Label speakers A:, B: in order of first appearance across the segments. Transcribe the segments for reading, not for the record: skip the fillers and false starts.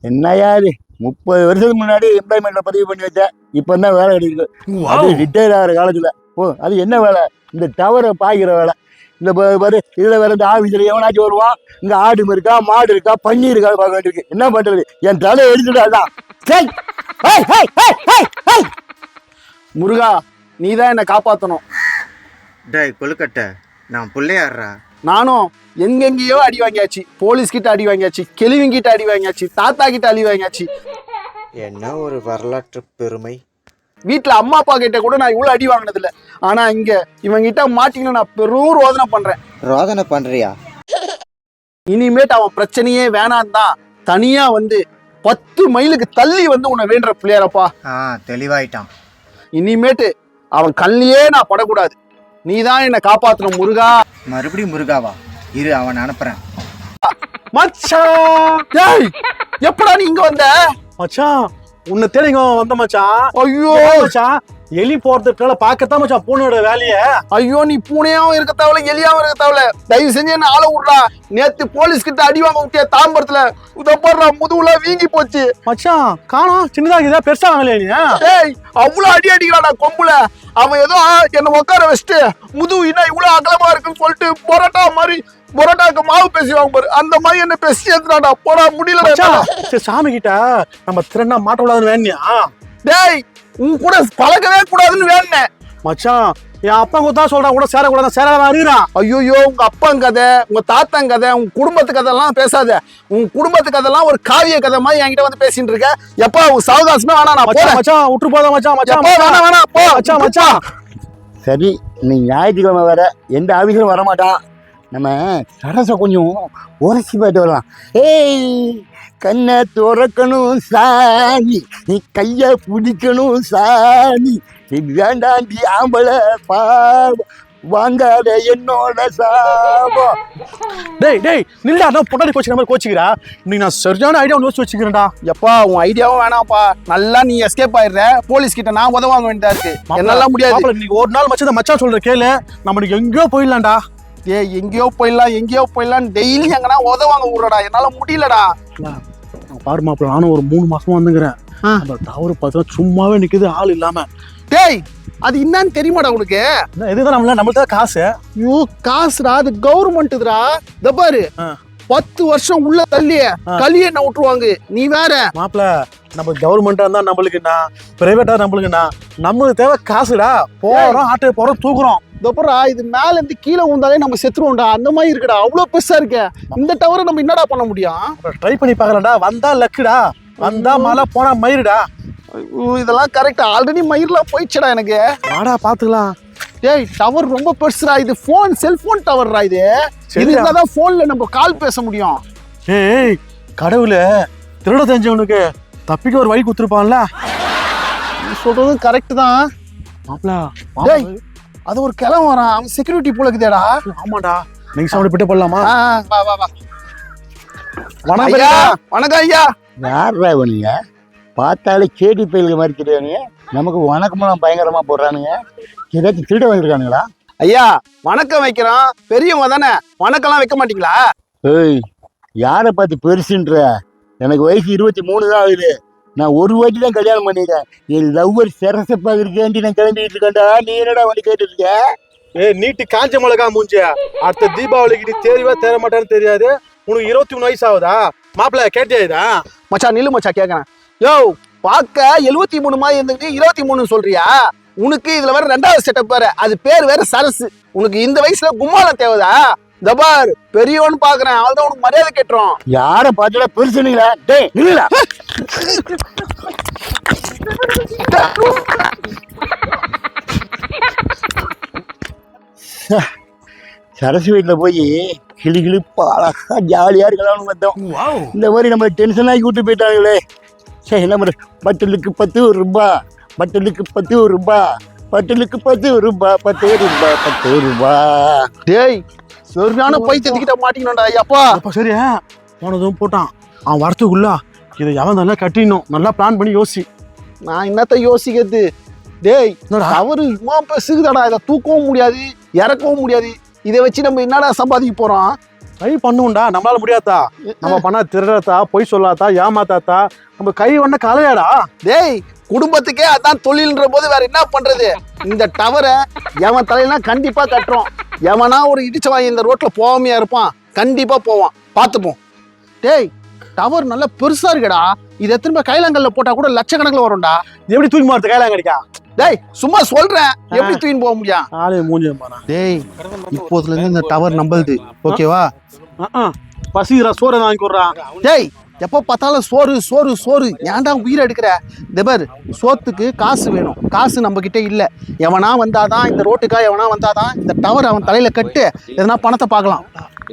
A: என்னையா இது 30 வருஷத்துக்கு முன்னாடி எம்ப்ளாய்மெண்ட்ல பதிவு பண்ணி வச்சேன். இப்போ தான் வேலை கிடைக்குது. அது ரிட்டையர் ஆகிற காலத்தில். அது என்ன வேலை? இந்த டவரை பாய்க்கிற வேலை. இந்த பாரு இதில் வேற இந்த ஆஃபீஸில் எவனாச்சும் வருவான். இங்கே ஆடு இருக்கா, மாடு இருக்கா, பன்னி இருக்கா பார்க்க வேண்டியிருக்கு. என்ன பண்ணுறது? என் தலை எடுத்துட்டாதான்.
B: முருகா, நீ தான் என்னை காப்பாற்றணும்.
C: டேய் கொழுக்கட்டை, நான் பிள்ளையாடுறா.
B: நானும் எங்கெங்கேயோ அடி வாங்கியாச்சு. போலீஸ் கிட்ட அடி வாங்கியாச்சு, கிட்ட அடி வாங்கியாச்சு, தாத்தா கிட்ட அடி வாங்கியாச்சு.
C: என்ன ஒரு வரலாற்று பெருமை.
B: வீட்டில் அம்மா அப்பா கிட்ட கூட நான் இவ்வளோ அடி வாங்கினதில்ல. ஆனால் இங்கே இவங்கிட்ட மாட்டிங்கன்னு நான் பெரும் ரோதனை பண்ணுறேன்.
C: ரோதனை பண்ணுறியா?
B: இனிமேட்டு அவன் பிரச்சனையே வேணான் தான் தனியாக வந்து 10 மைலுக்கு தள்ளி வந்து உன்னை வேண்டுற பிள்ளையாரப்பா.
C: தெளிவாயிட்டான்.
B: இனிமேட்டு அவன் கல்லையே நான் படக்கூடாது. நீ தான் என்னை காப்பாற்றணும் முருகா.
C: மறுபடியும் முருகாவா? இரு, அவன் அனுப்புறேன்.
B: மச்சான், டேய் எப்படா நீ இங்க வந்த?
D: மச்சான், உன்னை தேடிங்க வந்த மச்சான்.
B: ஐயோ
D: மச்சான், எலி போறதுக்குள்ள பாக்கத்தான் மச்சான் பூனையோட வேலைய.
B: ஐயோ, நீ பூனையாவும் இருக்க தேவையில்ல, எலியாவும் இருக்க தேவையில்ல. தயவு செஞ்சு என்ன ஆள விடுறா. நேத்து போலீஸ் கிட்ட அடி வாங்க விட்டிய தாம்பரத்துல. உதப்படுறா, முதுகுல வீங்கி போச்சு.
D: மச்சான் காணோம், சின்னதாகுதா பெருசா வாங்கலையா நீ?
B: டேய், அவ்வளவு அடி அடிக்கிறாடா கொம்புல. அவன் ஏதோ என்ன உட்கார வச்சுட்டு முதுகு என்ன இவ்வளவு அகலமா இருக்குன்னு சொல்லிட்டு பொரோட்டா மாதிரி, பொரோட்டாக்கு மாவு பேசுவாங்க பாரு, அந்த மாதிரி என்ன பேசி ஏத்துறாடா. போடா, முடியல.
D: சரி, சாமி கிட்ட நம்ம திறனா மாட்ட விடாதுன்னு வேணியா?
B: டேய், உன் கூட பழகவே கூடாதுன்னு வேணேன்.
D: மச்சான், என் அப்பா தான் சொல்றான் கூட சேரக்கூடாது, சேராத அறிறான்.
B: ஐயோ, உங்க அப்பன் கதை, உங்க தாத்தன் கதை, உங்க குடும்பத்து கதைலாம் பேசாத. உங்க குடும்பத்து கதைலாம் ஒரு காவிய கதை மாதிரி என்கிட்ட வந்து பேசிட்டு இருக்க. எப்பா உங்க சாவகாசமே வேணா, நான் போறேன்.
D: மச்சான் விட்டு போதா மச்சான். மச்சான்
B: வேணா போ
D: மச்சான். மச்சான்
A: சரி, நீ ஞாயிற்றுக்கிழமை வேற எந்த ஆஃபீஸிலும் வரமாட்டான். நம்ம சரசை கொஞ்சம் உரைச்சி போயிட்டு வரலாம். ஏய், கண்ணை துறக்கணும் சாமி, நீ கையை பிடிக்கணும் சாமி, வேண்டாண்டி ஆம்பளை பாவம், வாங்காத என்னோட சாபம்.
D: டேய் நில்லா, அதான் பொண்டாடி கோச்சிக்கிற மாதிரி கோச்சிக்கிறா. இன்னைக்கு நான் சரியான ஐடியா ஒன்று யோசிச்சு வச்சுக்கிறேன்டா.
B: எப்பா உன் ஐடியாவும் வேணாம்ப்பா. நல்லா நீ எஸ்கேப் ஆயிடுற. போலீஸ் கிட்ட நான் உதவாங்க வேண்டியதா இருக்கு. என்னால முடியாது.
D: இன்னைக்கு ஒரு நாள் மச்சான் மச்சான் சொல்ற கேளு, நம்மளுக்கு எங்கேயோ போயிடலாம்டா.
B: ஏய், எங்கேயோ போயிடலாம் டெய்லி எங்கன்னா உதவாங்க விடுறடா. என்னால முடியலடா.
D: பாரு மாப்பிள்ள, நானும் ஒரு 3 மாசமா வந்துங்கிறேன். அந்த டவர் பார்த்தா சும்மாவே நிக்குது, ஆள் இல்லாம.
B: டேய், அது என்னன்னு தெரியுமாடா உனக்கு?
D: இதுதான் நம்மள்ட்ட காசு.
B: ஐயோ, காசுடா, அது கவர்மெண்ட்டுடா. இந்த பாரு, 10 வருஷம் உள்ள தள்ளிய களிய என்ன விட்டுருவாங்க. நீ வேற
D: மாப்பிள்ள, நம்ம கவர்மெண்டா இருந்தா நம்மளுக்குண்ணா, பிரைவேட்டா நம்மளுக்குண்ணா, நம்மளுக்கு தேவை காசுடா. போறோம், ஆட்டோ போறோம், தூக்குறோம்.
B: இதப்பா, இது மேல இருந்து கீழே வந்தாலே நம்ம செத்துருவோம்டா. அந்த மாதிரி இருக்குடா. அவ்வளவு பெருசா இருக்க இந்த டவரை நம்ம என்னடா பண்ண முடியும்?
D: ட்ரை பண்ணி பாக்கலாம்டா. வந்தா லக்குடா, வந்தா மழை, போனா மயிருடா.
B: இதெல்லாம் கரெக்டா. ஆல்ரெடி மயிர்லாம் போயிடுச்சுடா எனக்கு.
D: வாடா பாத்துக்கலாம்.
B: ஏய், டவர் ரொம்ப பெருசுடா. இது போன், செல்போன் டவர்டா. இது இருந்தாதான் போன்ல நம்ம கால் பேச முடியும்.
D: ஏய் கடவுள, திருட தெரிஞ்சவனுக்கு தப்பிக்க ஒரு வழி குத்துருப்பான்ல.
B: நீ சொல்றதும் கரெக்ட் தான்
D: மாப்பிள.
B: டேய், அது ஒரு கிளம்ப வரான். அவன் செக்யூரிட்டி போல இருக்குதேடா.
D: ஆமாடா, நீங்க சாப்பிட்டு பிட்ட போடலாமா?
B: வா வா வா.
D: வணக்கம் ஐயா.
B: வணக்கம் ஐயா.
A: யாரா இவனுங்க? பார்த்தாலே கேடி பயிலுக்கு மாதிரி தெரியானுங்க. நமக்கு வணக்கமெல்லாம் பயங்கரமா போடுறானுங்க. ஏதாச்சும் திருட வந்துருக்கானுங்களா?
B: ஐயா, வணக்கம் வைக்கிறோம். பெரியவங்க தானே, வணக்கம்லாம் வைக்க மாட்டீங்களா?
A: ஏய், யாரை பார்த்து பெருசுன்ற? எனக்கு வயசு 23 தான் ஆகுது. நான் ஒரு வாட்டி தான் கல்யாணம் பண்ணிட்டேன். என் லவ்வர் சரசப்பா இருக்கேன்டி நான் கிளம்பிட்டு இருக்கேன்டா. நீ என்னடா வந்து கேட்டு இருக்க?
D: ஏய், நீட்டு காஞ்ச மிளகா மூஞ்ச. அடுத்த தீபாவளிக்கு நீ தேறிவா தேர மாட்டான்னு தெரியாது. உனக்கு 23 வயசு ஆகுதா? மாப்பிள்ள கேட்டியா?
B: மச்சான் நில்லு மச்சா, கேட்கறேன். யோ, பார்க்க 73 மாதிரி இருந்துட்டு 23 சொல்றியா? உனக்கு இதுல வேற 2வது செட்டப் வேற. அது பேர் வேற சரசு. உனக்கு இந்த வயசுல கும்மாளம் தேவைதா? தபார் பெரியவன்னு பாக்குறேன். அவள்தான் உனக்கு மரியாதை கேட்டுரும்.
A: யாரை பார்த்துடா பெருசுங்களா? டேய் நில்லுடா. சரசு வீட்டில் போய் கிளி கிளிப்பா அழகா ஜாலியாக இருக்கலாம்னு பார்த்தோம். இந்த மாதிரி நம்ம டென்ஷன் ஆகி கூட்டு போயிட்டாங்களே. சரி, என்ன பண்ணுற? பட்டலுக்கு 10 ரூபா, பட்டலுக்கு 10 ரூபா, பட்டலுக்கு 10 ரூபா, 10 ரூபா, 10 ரூபா.
B: டேய், சரியான பைத்தியத்துக்கிட்ட மாட்டிக்கணும்டா. ஐயாப்பா
D: சரி, போனதும் போட்டான். அவன் வரத்துக்குள்ள இதை எவன் நல்லா கட்டிடணும். நல்லா பிளான் பண்ணி யோசி.
B: நான் என்னத்த யோசிக்கிறது? டேய், அவரு இம்மா பெசுகுதாடா. இதை தூக்கவும் முடியாது, இறக்கவும் முடியாது. இதை வச்சு நம்ம என்னடா சம்பாதிக்க போறோம்?
D: ட்ரை பண்ணுவோம்டா, நம்மளால முடியாதா? நம்ம பண்ணா திருடத்தா, பொய் சொல்லாதா, ஏமாத்தாத்தா, நம்ம கை ஒண்ண கலையாடா.
B: டேய் குடும்பத்துக்கே அதான் தொழில்ன்ற போது வேற என்ன பண்றது? இந்த டவரை எவன் தலையெல்லாம் கண்டிப்பா கட்டுறோம். எவனா ஒரு இடிச்சவாய் இந்த ரோட்ல போகாமையா இருப்பான், கண்டிப்பா போவான், பார்த்துப்போம். டேய் டவர் நல்லா பெருசா இருக்குடா, இது எத்தனை கைலாங்கல்ல போட்டா கூட லட்சக்கணக்கில் வரும்டா.
D: எப்படி தூக்கி மாறுது கையில கிடைக்கா?
B: டேய் சும்மா சொல்றேன், எப்படி தூக்கின்னு போக முடியும்?
D: ஆளே மூஞ்சி பாரு.
B: டேய் இப்போதுல இருந்து இந்த டவர் நம்பளுது, ஓகேவா?
D: பசிக்கிறா, சோறு வாங்கி கொடுறான்.
B: டேய் எப்போ பார்த்தாலும் சோறு சோறு சோறு, ஏன்டா உயிரை எடுக்கிற? தேவர் சோத்துக்கு காசு வேணும், காசு நம்ம கிட்ட இல்ல. எவனா வந்தாதான் இந்த ரோட்டுக்கா, எவனா வந்தாதான் இந்த டவர் அவன் தலையில கட்டு, எதனா பணத்தை பார்க்கலாம்.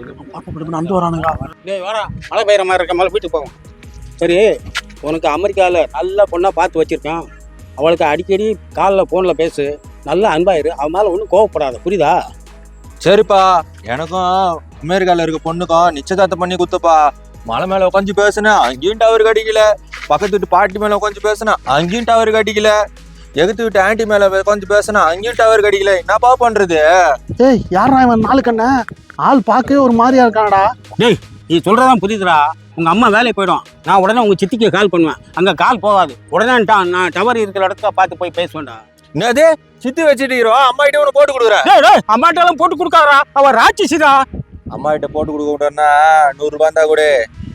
D: நந்து வரானுங்க.
E: டேய் வாடா, மழை பெய்கிற மாதிரி இருக்க, மழை வீட்டுக்கு போவோம். சரி, உனக்கு அமெரிக்காவில் நல்ல பொண்ணாக பார்த்து வச்சுருக்கேன். அவளுக்கு அடிக்கடி காலில் ஃபோனில் பேசு, நல்லா அன்பாயிரு, அவன் மேலே ஒன்றும் கோவப்படாத, புரியுதா?
F: சரிப்பா, எனக்கும் அமெரிக்கால இருக்க பொண்ணுக்கும் நிச்சயதார்த்தம் பண்ணி குத்துப்பா. மலை மேல உட்காந்து பேசுனேன், அங்கேயும் டவர் கடிக்கல. பக்கத்து வீட்டு பாட்டி மேல உட்காந்து பேசுனேன், அங்கேயும் டவர் கடிக்கல. எகுத்து வீட்டு ஆண்டி மேல உட்காந்து பேசுனேன், அங்கேயும் டவர் கடிக்கல. என்னப்பா பண்றது?
B: ஏய் யாரா இவன்? நாலு கண்ண ஆள் பார்க்கவே ஒரு மாதிரியா இருக்கானடா.
E: டேய் நீ சொல்கிறதான் புரியுதுடா. உங்கள் அம்மா வேலைக்கு போயிடும், நான் உடனே உங்கள் சித்திக்கு கால் பண்ணுவேன். அங்கே கால் போகாது, உடனே நான் டவர் இருக்கிற இடத்துல பார்த்து போய் பேசுவேன்டா.
F: என்னது சித்தி வச்சுட்டு அம்மா கிட்ட ஒன்று போட்டு கொடுக்குறேன்.
E: டேய் அம்மாட்டெல்லாம் போட்டு கொடுக்காரா, அவள் ராட்சிசிடா.
F: அம்மா கிட்ட போட்டு கொடுக்க விட்டோன்னா 100 ரூபாய் தான் கூட.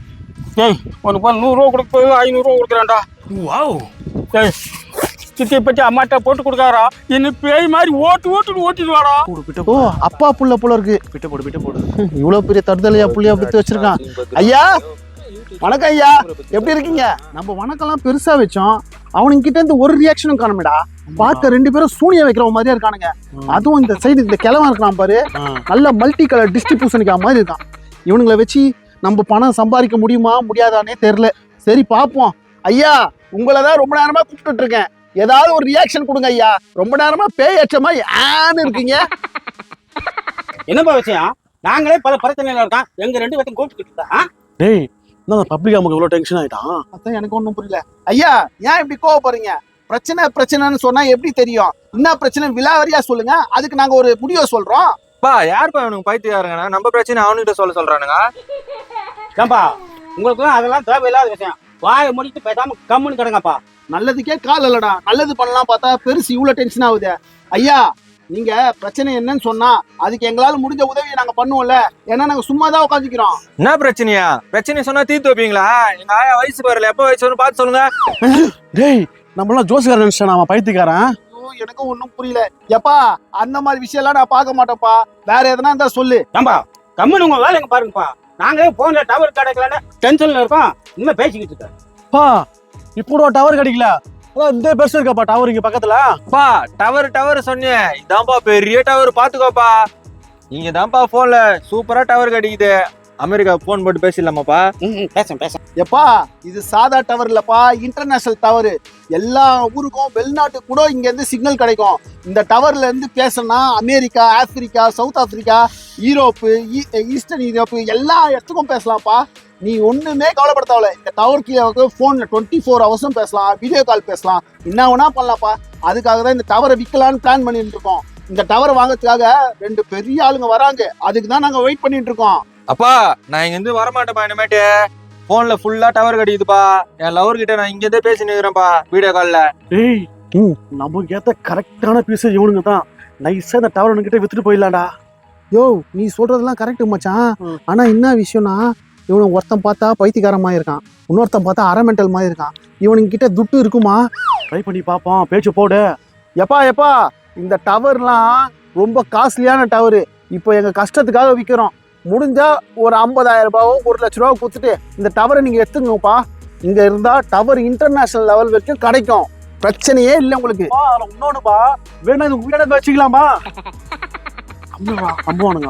E: டேய் உனக்கு 100 ரூபா கொடுக்க 500 ரூபா கொடுக்குறான்டா. வாவ். டேய் சித்தியை பற்றி அம்மாட்ட போட்டு கொடுக்காரா, என்ன பேய் மாதிரி ஓட்டிடுவாடா.
B: ஓ அப்பா புள்ள போல இருக்கு.
D: பிட்ட போடு.
B: இவ்வளவு பெரிய தடுதலையா புள்ளியா பத்தி வச்சிருக்கான். ஐயா வணக்கம் ஐயா, எப்படி இருக்கீங்க? நம்ம வணக்கம்லாம் பெருசா வச்சோம், அவனுங்க கிட்ட இருந்து ஒரு ரியாக்ஷனும் காணுமேடா. பார்க்க 2 பேரும் சூனிய வைக்கிற மாதிரியா இருக்கானுங்க. அதுவும் இந்த சைடு இந்த கிழவன் இருக்கான் பாரு, நல்ல மல்டி கலர் டிஸ்ட்ரிபியூஷனுக்கு மாதிரி இருக்கான். இவனுங்களை வச்சு நம்ம பணம் சம்பாதிக்க முடியுமா முடியாதானே தெரியல. சரி பாப்போம். ஐயா உங்களை தான் ரொம்ப நேரமா கூப்பிட்டு இருக்கேன், ஏதாவது ஒரு ரியாக்ஷன் கொடுங்க ஐயா. ரொம்ப நேரமா பேய் அச்சமா ஏன்னு இருக்கீங்க.
E: என்னப்பா விஷயம்? நாங்களே பல பிரச்சனையில இருக்கோம், எங்க 2 பேர்த்தையும் கூப்பிட்டு.
D: டேய் என்ன பப்ளிக் நமக்கு இவ்வளவு டென்ஷன் ஆயிட்டான்?
B: அதான் எனக்கு ஒன்றும் புரியல. ஐயா ஏன் இப்படி கோவப்படுறீங்க? பிரச்சனைன்னு சொன்னா எப்படி தெரியும்? என்ன பிரச்சனை விலாவரியா சொல்லுங்க, அதுக்கு நாங்க ஒரு முடிவை சொல்றோம்.
F: பா யாருப்பா இவனுக்கு பைத்தியாருங்கண்ணா? நம்ம பிரச்சனை அவனுகிட்ட சொல்றானுங்க.
E: ஏன்பா உங்களுக்கு அதெல்லாம் தேவையில்லாத விஷயம், வாயை முடித்து பேசாம கம்முன்னு கிடங்கப்பா.
B: நல்லதுக்கே கால் இல்லடா, நல்லது பண்ணலாம் பார்த்தா பெருசு இவ்வளவு டென்ஷன் ஆகுது. ஐயா நீங்க பிரச்சனை என்னன்னு சொன்னா அதுக்கு எங்களால முடிஞ்ச உதவியை நாங்க பண்ணுவோம்ல, ஏன்னா நாங்க சும்மா தான் உட்காந்துக்கிறோம்.
F: என்ன பிரச்சனையா? பிரச்சனை சொன்னா தீர்த்து வைப்பீங்களா? எங்க ஆயா வயசு வரல, எப்ப வயசு வரும் பார்த்து சொல்லுங்க.
D: டேய் நம்மளாம் ஜோசிக்காரன் நினைச்சான், அவன் பைத்தியக்காரன்.
B: எனக்கும் ஒன்றும் புரியல. எப்பா அந்த மாதிரி விஷயம் எல்லாம் நான் பார்க்க மாட்டேன்ப்பா, வேற எதனா இருந்தா சொல்லு.
E: ஏன்பா கம்முன்னு உங்க வேலைங்க பாருங்கப்பா. நாங்களே போன்ல டவர் கிடைக்கலன்னு டென்ஷன்ல இருக்கோம், இனிமே பேசிக்கிட்டு இருக்கேன்.
D: பா இப்போ டவர் கிடைக்கல, அதான் இந்த பெருசு இருக்காப்பா டவர் இங்க பக்கத்துல.
F: பா டவர் சொன்னேன், இதான்ப்பா பெரிய டவர், பாத்துக்கோப்பா. இங்க தான்ப்பா போன்ல சூப்பரா டவர் கிடைக்குது. அமெரிக்கா போன் போட்டு பேசிடலாமாப்பா?
E: பேச
B: எப்பா இது சாதா டவர் இல்லப்பா, இன்டர்நேஷனல் டவர். எல்லா ஊருக்கும் வெளிநாட்டுக்கு கூட இங்க இருந்து சிக்னல் கிடைக்கும். இந்த டவர்ல இருந்து பேசணும்னா America, Africa, South Africa, Europe, eastern Europe எல்லா இடத்துக்கும் பேசலாம்ப்பா. நீ ஒண்ணுமே கவலைப்பட தேவையில்ல. இந்த டவர் கீழே போன்ல 24 ஹவர்ஸும் பேசலாம், வீடியோ கால் பேசலாம், என்ன வேணா பண்ணலாம்ப்பா. அதுக்காக தான் இந்த டவரை விற்கலான்னு பிளான் பண்ணிட்டு இருக்கோம். இந்த டவரை வாங்கறதுக்காக 2 பெரிய ஆளுங்க வராங்க, அதுக்கு தான் நாங்க வெயிட் பண்ணிட்டு இருக்கோம்.
F: அப்பா நான் இங்க இருந்து வரமாட்டேப்பா, இனிமேட்டு போன்ல ஃபுல்லா டவர் கிடைக்குதுப்பா. என் லவர் கிட்ட நான் இங்க இருந்தே பேசி நிக்கிறேன்ப்பா வீடியோ கால்ல.
D: டேய் நமக்கு ஏத்த கரெக்டான பீஸ் இவனுங்க தான். நைஸா இந்த டவர் கிட்ட வித்துட்டு போயிடலாம்டா.
B: யோ நீ சொல்றதெல்லாம் கரெக்ட் மச்சான், ஆனா என்ன விஷயம்னா இவனுக்கு ஒருத்தன் பார்த்தா பைத்தியக்காரன் மாதிரி இருக்கான், இன்னொருத்தன் பார்த்தா அரமெண்டல் மாதிரி இருக்கான். இவனுங்க கிட்ட துட்டு இருக்குமா?
D: ட்ரை பண்ணி பாப்போம், பேச்சு போடு.
B: எப்பா இந்த டவர்லாம் ரொம்ப காஸ்ட்லியான டவரு. இப்போ எங்க கஷ்டத்துக்காக விற்கிறோம். முடிஞ்சா ஒரு 50,000 ரூபாவோ 1,00,000 ரூபா கொடுத்துட்டு இந்த டவரை நீங்க எடுத்துங்கப்பா. இங்க இருந்தா டவர் இன்டர்நேஷனல் லெவல் வரைக்கும் கிடைக்கும், பிரச்சனையே இல்லை உங்களுக்கு.
D: இன்னொன்னுப்பா வேணா இது வீட வச்சுக்கலாமா? நம்புவானுங்க.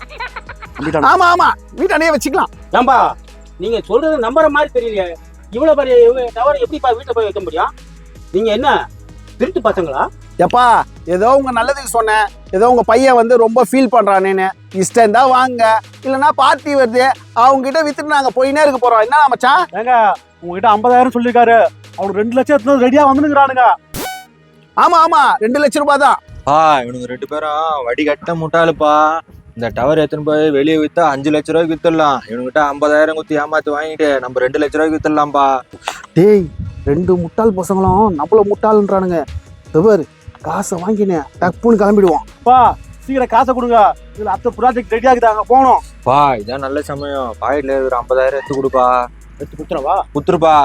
B: ஆமா வீட்டானே வச்சுக்கலாம்.
E: ஏன்பா நீங்க சொல்றது நம்புற மாதிரி தெரியலையே, இவ்வளவு பெரிய டவர் எப்படிப்பா வீட்டுல போய் வைக்க முடியும்? நீங்க என்ன திருட்டு பசங்களா?
B: எப்பா ஏதோ உங்க நல்லதுக்கு சொன்னேன், ஏதோ உங்க பையன் ரொம்ப ஃபீல் பண்றானேன்னு. இஷ்டம் தான் வாங்க, இல்லைன்னா பார்ட்டி வருது அவங்க கிட்ட வித்துட்டு நாங்க போயினே இருக்க போறோம். என்ன மச்சான்?
D: ஏங்க உங்ககிட்ட 50,000 சொல்லிருக்காரு, அவனுக்கு 2 லட்சம் எடுத்து ரெடியா வந்துருக்கானுங்க.
B: ஆமா 2 லட்சம் ரூபாய் தான்.
F: இவனுங்க 2 பேரும் வடி கட்ட முட்டாளுப்பா. இந்த டவர் எடுத்துன்னு போய் வெளியே வித்தா 5 லட்ச ரூபாய்க்கு வித்துடலாம். இவனுக்கிட்ட 50,000 குத்தி ஏமாத்தி வாங்கிட்டு நம்ம 2 லட்ச ரூபாய்க்கு வித்துடலாம்பா.
B: டேய் 2 முட்டாள் பசங்களும் நம்மள முட்டாள்ன்றானுங்க. தவர் காசை வாங்கினேன் டப்புன்னு கிளம்பிடுவோம்.
D: பா சீக்கிரம் காசை கொடுங்க, இதுல அடுத்த ப்ராஜெக்ட் ரெடி ஆகுதாங்க போனோம்.
F: பா இதான் நல்ல சமயம். பாக்கெட்ல ஒரு 50,000 எடுத்து கொடுப்பா.
D: எடுத்து குத்துறவா?
F: குத்துருப்பா.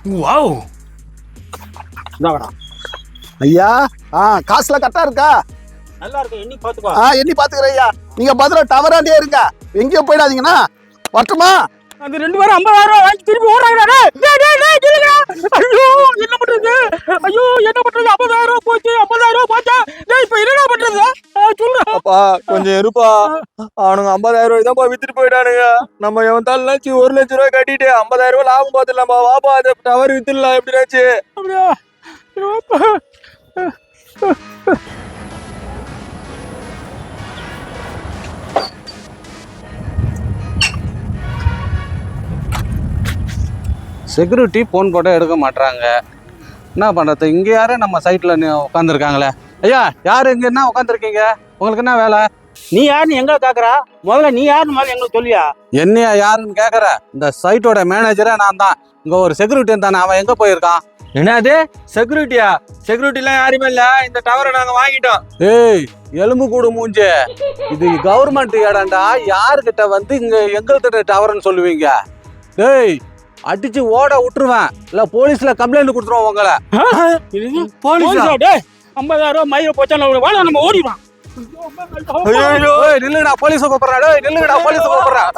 D: இந்தாங்கடா.
B: ஐயா காசுலாம் கரெக்டா இருக்கா?
E: நல்லா இருக்கும், எண்ணி பாத்துக்கோ.
B: எண்ணி பாத்துக்கிறேன் ஐயா. நீங்க பதில டவராண்டே இருங்க, எங்கேயும் போயிடாதீங்கன்னா. வரட்டுமா?
E: அந்த 2 பேரும் 50,000 வாங்கி திருப்பி ஓடுறாங்கடா. ஐயோ என்ன பண்றது? ஐயோ என்ன பண்றது? 50,000 போச்சு, 50,000 போச்சா? டேய் இப்ப என்னடா பண்றது? சொல்றா.
F: அப்பா கொஞ்சம் இருப்பா. அவனுங்க 50,000 ரூபாய் தான் வித்துட்டு போயிட்டானுங்க. நம்ம எவன் தாள்னாச்சு 1 லட்ச ரூபாய் கட்டிட்டு 50,000 ரூபாய் லாபம் பார்த்துடலாம்பா. வாப்பா அந்த டவர் வித்துடலாம் எப்படினாச்சு.
E: அப்படியா? செக்யூரிட்டி ஃபோன் போட்டால் எடுக்க மாட்றாங்க. என்ன பண்ணுறது? இங்கே யாரும் நம்ம சைட்டில் உட்காந்துருக்காங்களே. ஐயா யார் இங்கே என்ன உட்காந்துருக்கீங்க? உங்களுக்கு என்ன வேலை? நீ யாருன்னு எங்களை கேட்குறா? முதல்ல நீ யாருன்னு முதல்ல எங்களுக்கு சொல்லியா? என்னையா யாருன்னு கேட்குற? இந்த சைட்டோட மேனேஜரே நான் தான். இங்கே ஒரு செக்யூரிட்டி தானே, அவன் எங்கே போயிருக்கான்?
F: என்னது செக்யூரிட்டியா? செக்யூரிட்டிலாம் யாருமே இல்ல. இந்த டவரை நாங்க வாங்கிட்டோம்.
E: ஏய் எலும்பு கூடு மூஞ்சே, இது கவர்மெண்ட் இடம்டா. யாருக்கிட்ட வந்து இங்கே எங்கள்கிட்ட டவர்னு சொல்லுவீங்க? டேய் அடிச்சு ஓட விட்டுருவேன், இல்ல போலீஸ்ல கம்ப்ளைண்ட் கொடுத்துருவோம் உங்களை. போலீஸா? டேய் 50,000 மயில போச்சா நம்ம ஓடிடுவான். நில்லுடா போலீஸை கூப்பிடுறா. டேய் நில்லுடா போலீஸை கூப்பிடுறா.